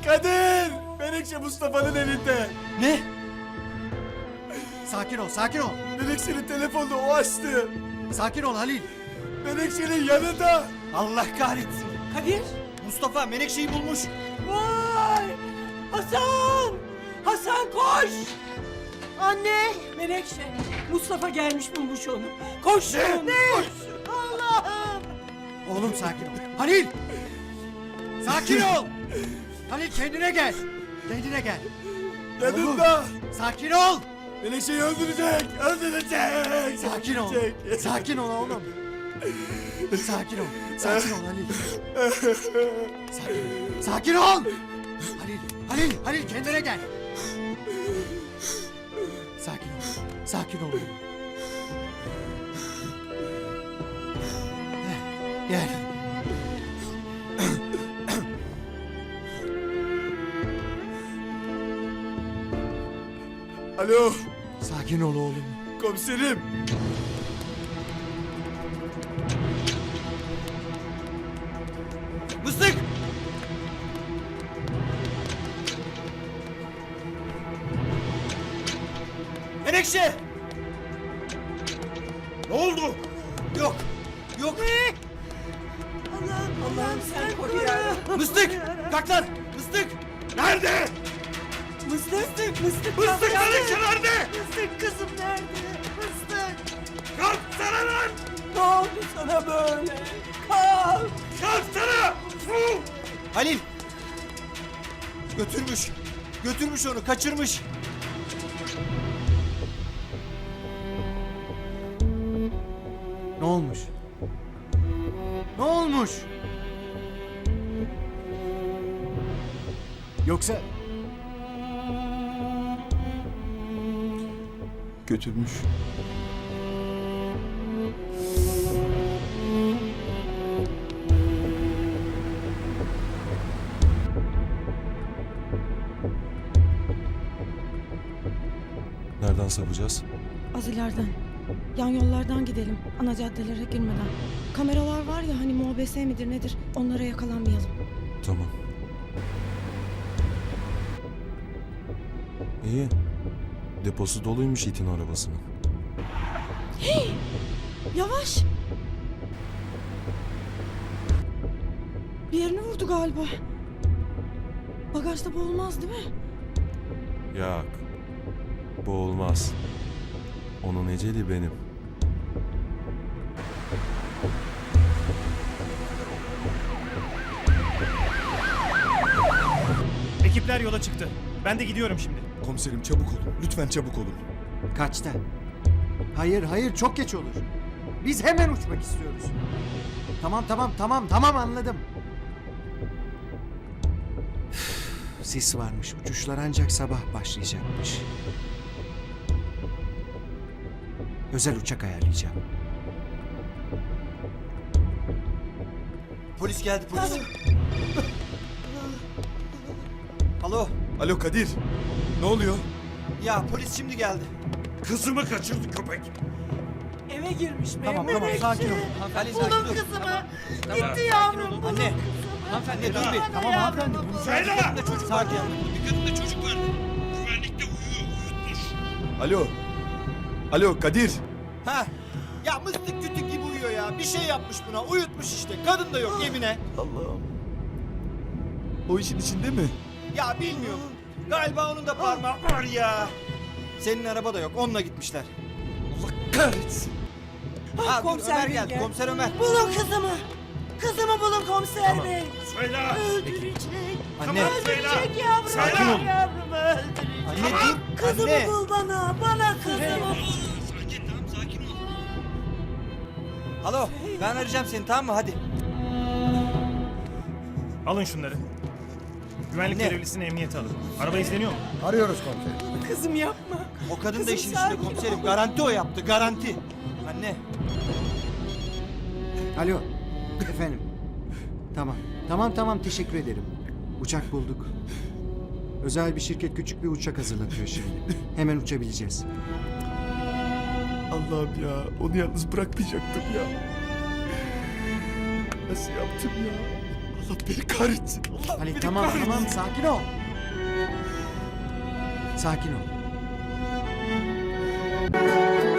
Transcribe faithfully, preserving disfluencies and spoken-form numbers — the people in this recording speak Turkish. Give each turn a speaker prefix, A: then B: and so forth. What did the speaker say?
A: Kadir! Menekşe Mustafa'nın elinde.
B: Ne? Sakin ol, sakin ol.
A: Menekşe'nin telefonunu o açtı.
B: Sakin ol Halil.
A: Menekşe'nin yanında.
B: Allah kahretsin.
C: Kadir.
B: Mustafa Menekşe'yi bulmuş.
C: Vay! Hasan! Hasan koş!
D: Anne!
C: Menekşe, Mustafa gelmiş bulmuş onu. Koş!
D: Ne? Allah'ım!
B: Oğlum sakin ol. Halil! Sakin ol! Halil kendine gel. Kendine gel.
A: Yanında.
B: Oğlum, sakin ol.
A: Menekşe'yi öldürecek. Öldürecek.
B: Sakin ol.
A: öldürecek.
B: Sakin ol oğlum. Sakin ol. Sakin ol Halil. Sakin, sakin ol. Halil, Halil, Halil kendine gel. Sakin ol. Sakin ol. Heh, Gel.
A: Alo.
B: Sakin ol oğlum.
A: Komiserim.
B: Mıstık! Menekşe!
A: Ne oldu?
B: Yok! Yok!
C: Allah'ım, Allah'ım sen koru ya.
B: Mıstık! Kalk lan! Mıstık!
A: Nerede?
C: Mıstık, mıstık, mıstık.
A: Mıstık Menekşe nerede?
D: Mıstık kızım nerede? Mıstık!
A: Kalksana lan.
C: Ne oldu sana böyle? Kalk!
A: Kalksana. Fu!
B: Halil! Götürmüş! Götürmüş onu, kaçırmış! Ne olmuş? Ne olmuş? Yoksa...
A: Götürmüş.
E: Nereden sapacağız?
F: Az ileriden. Yan yollardan gidelim. Ana caddelere girmeden. Kameralar var ya hani M O B S midir nedir? Onlara yakalanmayalım.
E: Tamam. İyi. Deposu doluymuş itin arabasının.
F: Yavaş. Bir yerini vurdu galiba. Bagajda boğulmaz değil mi?
E: Yok. Bu olmaz. Onun eceli benim.
G: Ekipler yola çıktı. Ben de gidiyorum şimdi.
A: Komiserim çabuk olun. Lütfen çabuk olun.
B: Kaçta? Hayır, hayır çok geç olur. Biz hemen uçmak istiyoruz. Tamam, tamam, tamam, tamam anladım. Üf, sis varmış. Uçuşlar ancak sabah başlayacakmış. Özel uçak ayarlayacağım. Polis geldi, polis. Alo.
A: Alo Kadir. Ne oluyor?
B: Ya polis şimdi geldi.
A: Kızımı kaçırdı köpek.
C: Eve girmiş
B: Tamam,
C: Mehmet.
B: tamam, sakin ol. Hanımefendi sakin
D: Bulun
B: ol.
D: kızımı! Gitti yavrum, bulun
B: Anne.
D: kızımı!
B: Hanımefendi dur bir.
D: Bana
B: Tamam
D: yavrum,
B: hanımefendi.
D: bulun.
B: Bunu sakin olun da çocuk var diye.
H: Bir kadında çocuk var. Güvenlikte uyuyor, uyutmuş.
A: Alo. Alo Kadir.
B: Ha? Ya mıstık kütük gibi uyuyor ya. Bir şey yapmış buna. Uyutmuş işte. Kadın da yok Emine.
A: Allah'ım. O işin içinde mi?
B: Ya bilmiyorum. Galiba onun da parmağı var ya. Senin araba da yok. Onunla gitmişler.
A: Allah kahretsin.
B: Ha dur
C: komiser
B: Ömer
C: bey
B: geldi.
C: geldi.
B: Komiser Ömer.
D: Bulun kızımı! Kızımı bulun komiser bey!
H: Söyle.
D: Öldürecek!
B: Anne.
D: Öldürecek yavrum!
H: Sakin ol.
D: Yavrumu öldürecek!
B: Anne dur.
D: Kızımı
B: Anne.
D: bul bana! Bana kızımı bul!
H: Sakin tamam sakin ol.
B: Alo. Ben arayacağım seni tamam mı? Hadi.
G: Alın şunları. Güvenlik
B: Ne?
G: görevlisini emniyete alın. Araba izleniyor mu?
C: Kızım yapma.
B: O kadın da
C: Kızım
B: işin
C: sakin
B: içinde komiserim.
C: ol.
B: Garanti o yaptı. Garanti. Anne. Alo. Efendim. Tamam. Tamam tamam teşekkür ederim. Uçak bulduk. Özel bir şirket küçük bir uçak hazırlatıyor şimdi. Hemen uçabileceğiz.
A: Allah'ım ya. Onu yalnız bırakmayacaktım ya. Nasıl yaptım ya? Allah beni kahretsin. Allah
B: Halit
A: beni
B: tamam
A: kahretsin.
B: tamam sakin ol. Sakin ol.